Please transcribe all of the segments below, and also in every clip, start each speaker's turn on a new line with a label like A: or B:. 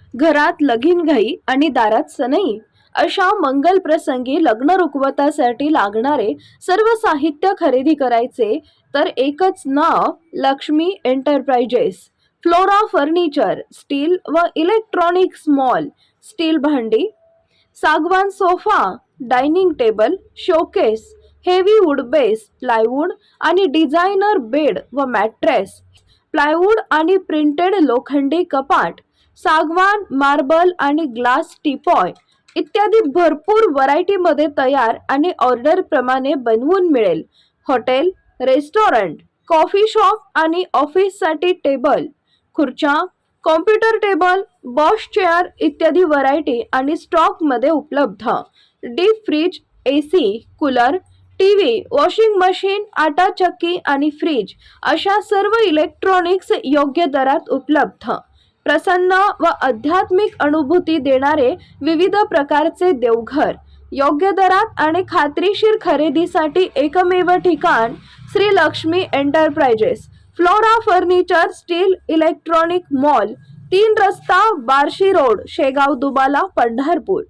A: घरात लगीनघाई आणि दारात सनई अशा मंगल प्रसंगी लग्न रुखवतासाठी लागणारे सर्व साहित्य खरेदी करायचे तर एकच नाव Lakshmi enterprises. Flora furniture, steel व इलेक्ट्रॉनिक्स मॉल, स्टील भांडी, सागवान sofa, dining table, showcase, heavy wood base, plywood आणि डिझायनर बेड व मॅट्रेस, प्लायवूड आणि प्रिंटेड लोखंडी कपाट, सागवान, मार्बल आणि ग्लास टीपॉय इत्यादी भरपूर व्हरायटीमध्ये तयार आणि ऑर्डर प्रमाणे बनवून मिळेल. हॉटेल, रेस्टॉरंट, कॉफी शॉप आणि ऑफिससाठी टेबल, खुर्च्या, कॉम्प्युटर टेबल, बॉश चेअर इत्यादी व्हरायटी आणि स्टॉकमध्ये उपलब्ध. Deep freeze, AC, cooler, TV, washing machine, आटा चक्की आणि फ्रीज अशा सर्व इलेक्ट्रॉनिक्स योग्य दरात उपलब्ध. प्रसन्न व आध्यात्मिक अनुभूती देणारे विविध प्रकारचे देवघर, योग्य दरात आणि खात्रीशीर खरेदीसाठी एकमेव ठिकाण Shri Lakshmi enterprises. Flora furniture, steel electronic mall, 3 रस्ता, बार्शी रोड, शेगाव दुबाला, पंढरपूर.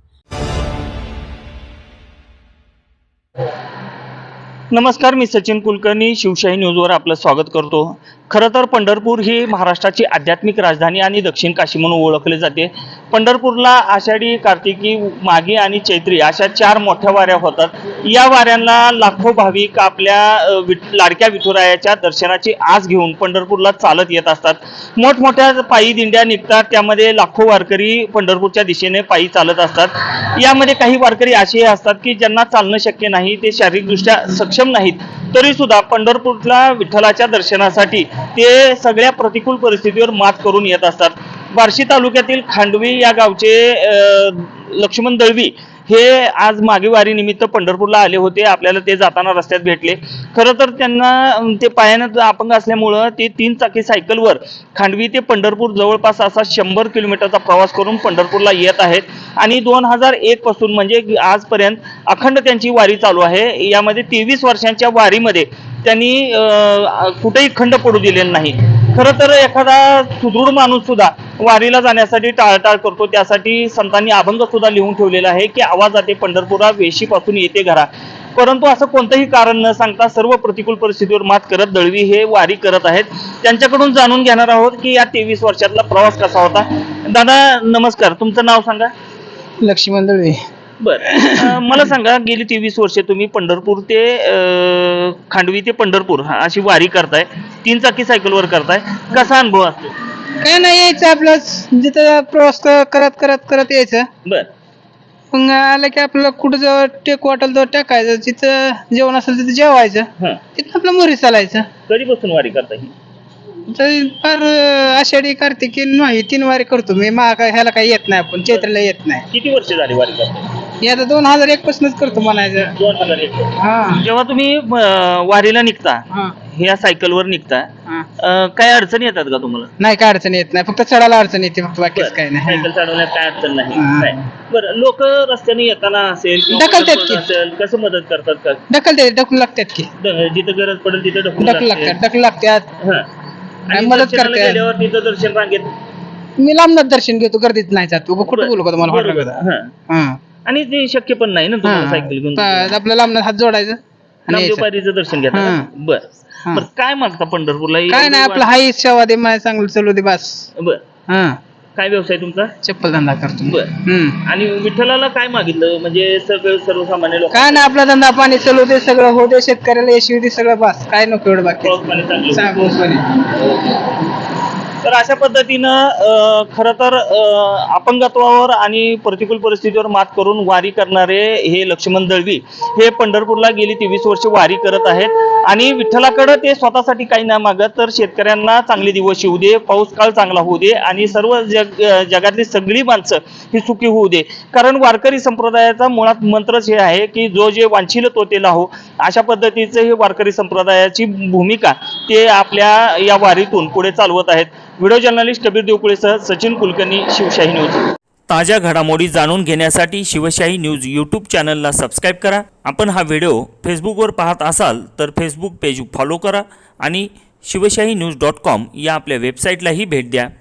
B: नमस्कार, मी सचिन कुलकर्णी शिवशाही न्यूजवर आपलं स्वागत करतो. खरं तर पंढरपूर ही महाराष्ट्राची आध्यात्मिक राजधानी आणि दक्षिण काशी म्हणून ओळखले जाते. पंढरपूरला आषाढी, कार्तिकी, माघी आणि चैत्री अशा 4 मोठ्या वाऱ्या होतात. या वाऱ्यांना लाखो भाविक आपल्या लाडक्या विठुरायाच्या दर्शनाची आस घेऊन पंढरपूरला चालत येत असतात. मोठमोठ्या पायी दिंड्या निघतात, त्यामध्ये लाखो वारकरी पंढरपूरच्या दिशेने पायी चालत असतात. यामध्ये काही वारकरी असेही असतात की ज्यांना चालणं शक्य नाही, ते शारीरिकदृष्ट्या सक्षम नाहीत, तरी सुद्धा पंढरपूरला विठ्ठलाच्या दर्शनासाठी ते सगळ्या प्रतिकूल परिस्थितीवर मात करून येत असतात. बार्शी तालुक्यातील खांडवी या गावचे लक्ष्मण दळवी हे आज मागे वारीनिमित्त पंढरपूरला आले होते. आपल्याला ते जाताना रस्त्यात भेटले. खरं तर त्यांना ते पायानं अपंग असल्यामुळं ते 3 चाकी सायकलवर खांडवी ते पंढरपूर जवळपास असा 100 किलोमीटरचा प्रवास करून पंढरपूरला येत आहेत. आणि 2001 पासून म्हणजे आजपर्यंत अखंड त्यांची वारी चालू आहे. यामध्ये 23 वर्षांच्या वारीमध्ये त्यांनी कुठेही खंड पडू दिलेला नाही. खरं तर एखादा सुदृढ माणूस सुद्धा वारीला जाण्यासाठी टाळटाळ करतो. त्यासाठी संतांनी अभंग सुद्धा लिहून ठेवलेला आहे की आवाज जाते पंढरपुरा, वेशीपासून येते घरा. परंतु असं कोणतंही कारण न सांगता सर्व प्रतिकूल परिस्थितीवर मात करत दळवी हे वारी करत आहेत. त्यांच्याकडून जाणून घेणार आहोत की या 23 वर्षातला प्रवास कसा होता. दादा नमस्कार, तुमचं नाव सांगा.
C: लक्ष्मण दळवी.
B: बरं, मला सांगा, गेली 23 वर्षे तुम्ही पंढरपूर ते खांडवी ते पंढरपूर अशी वारी करताय, 3 चाकी सायकलवर करताय, कसा अनुभव असतो?
C: काय नाही, यायचं आपलं जिथं प्रवास करत करत करत यायचं.
B: बर,
C: मग आलं की आपल्याला कुठं जवळ टेक वाटेल तर टाकायचं, जिथं जेवण असेल तिथं जेवायचं, तिथं आपलं मोरी चालायचं.
B: कधीपासून वारी करता ही?
C: तर फार आषाढी, कार्तिकी नाही 3 वारी करतो मी. ह्याला काही येत नाही, आपण चैत्राला येत नाही.
B: किती वर्ष झाली वारी करता?
C: आता 2001 पासूनच करतो म्हणायचं.
B: 2001.
C: हा
B: जेव्हा तुम्ही वारीला निघता,
C: हा
B: ह्या सायकलवर निघता,
C: हा.
B: काय अडचणी येतात का तुम्हाला?
C: नाही, काय अडचण येत नाही, फक्त चढायला अडचण येते, फक्त बाकीच काही नाही.
B: सायकल चालवण्यात काय अडचण नाही.
C: हा.
B: नाही. बरं, लोक रस्त्याने येताना असेल किंवा
C: ढकलतात
B: पंढरपूर
C: की.
B: असेल, कसं मदत करतात का?
C: ढकलून लागतात की,
B: जिथं गरज पडेल तिथे
C: ढकलून लागतात.
B: हा. आणि
C: मदत
B: दर्शनाला
C: करते.
B: गेल्यावर तिथं दर्शन रांगेत.
C: मी लांबनाथ दर्शन घेतो, गर्दीत नाही जात. कुठं बोलू का तुम्हाला
B: बरोबर.
C: हॉटेल?
B: हा.
C: हा.
B: आणि ते शक्य पण नाही ना तुम्हाला सायकल घेऊन
C: आपलं लांबनाथ हात जोडायचं आणि यायचं.
B: नामदेवबारीचं दर्शन घेता.
C: हा.
B: बर.
C: हा.
B: बर, काय मागता पंढरपूरला?
C: काय नाही, आपलं हाई सेवा दे, मला चांगलं चालू दे बस.
B: बर.
C: हा,
B: काय व्यवसाय तुमचा?
C: चप्पल धंदा करतो.
B: बर. आणि विठ्ठलाला काय मागितलं, म्हणजे सर्वसामान्य लोक?
C: काय नाही, आपला धंदा पाणी चालू दे, सगळं होऊ दे, शेतकऱ्याला यशवी दे, सगळं बस. काय नको एवढं बाकी.
B: तर अशा पद्धतीनं खरं तर अपंगत्वावर आणि प्रतिकूल परिस्थितीवर मात करून वारी करणारे हे लक्ष्मण दळवी हे पंढरपूरला गेली 23 वर्ष वारी करत आहेत. आणि विठ्ठलाकडे ते स्वतःसाठी काही नाही मागत, तर शेतकऱ्यांना चांगले दिवस येऊ दे, पाऊस काळ चांगला होऊ दे आणि सर्व जगातली सगळी माणसं ही सुखी होऊ दे. कारण वारकरी संप्रदायाचा मुळात मंत्रच हे आहे की जो जे वांछील तो ते लाहो. अशा पद्धतीचं हे वारकरी संप्रदायाची भूमिका ते आपल्या या वारीतून पुढे चालवत आहेत. व्हिडिओ जर्नलिस्ट कबीर देवकुळेसह सचिन कुलकर्णी, शिवशाही न्यूज. ताज्या घडामोडी जाणून घेण्यासाठी शिवशाही न्यूज यूट्यूब चॅनलला सबस्क्राईब करा. आपण हा व्हिडिओ फेसबुकवर पाहत असाल तर फेसबुक पेज फॉलो करा आणि शिवशाही न्यूज.com या आपल्या वेबसाईटलाही भेट द्या.